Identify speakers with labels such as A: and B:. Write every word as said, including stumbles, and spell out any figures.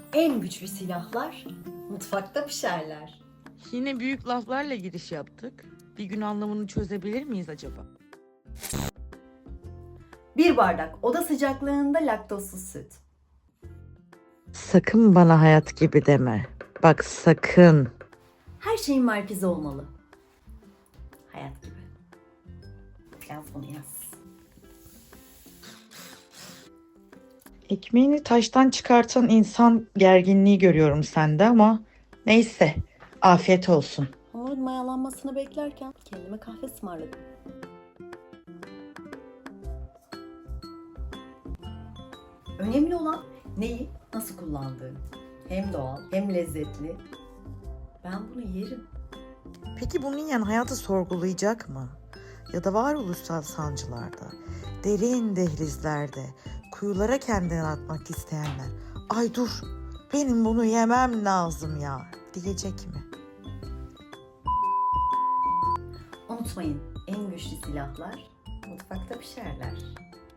A: En güçlü silahlar mutfakta pişerler.
B: Yine büyük laflarla giriş yaptık. Bir gün anlamını çözebilir miyiz acaba?
A: Bir bardak oda sıcaklığında laktozsuz süt.
B: Sakın bana hayat gibi deme. Bak sakın.
A: Her şeyin merkezi olmalı. Hayat gibi. Yaz bunu yaz.
B: Ekmeğini taştan çıkartan insan gerginliği görüyorum sende ama neyse. Afiyet olsun.
A: Hamurun mayalanmasını beklerken kendime kahve ısmarladım. Önemli olan neyi nasıl kullandığın. Hem doğal hem lezzetli. Ben bunu yerim.
B: Peki bunu yiyen hayatı sorgulayacak mı? Ya da varoluşsal sancılarda, derin dehlizlerde, kuyulara kendini atmak isteyenler, ay dur benim bunu yemem lazım ya diyecek mi?
A: Unutmayın, en güçlü silahlar mutfakta pişerler.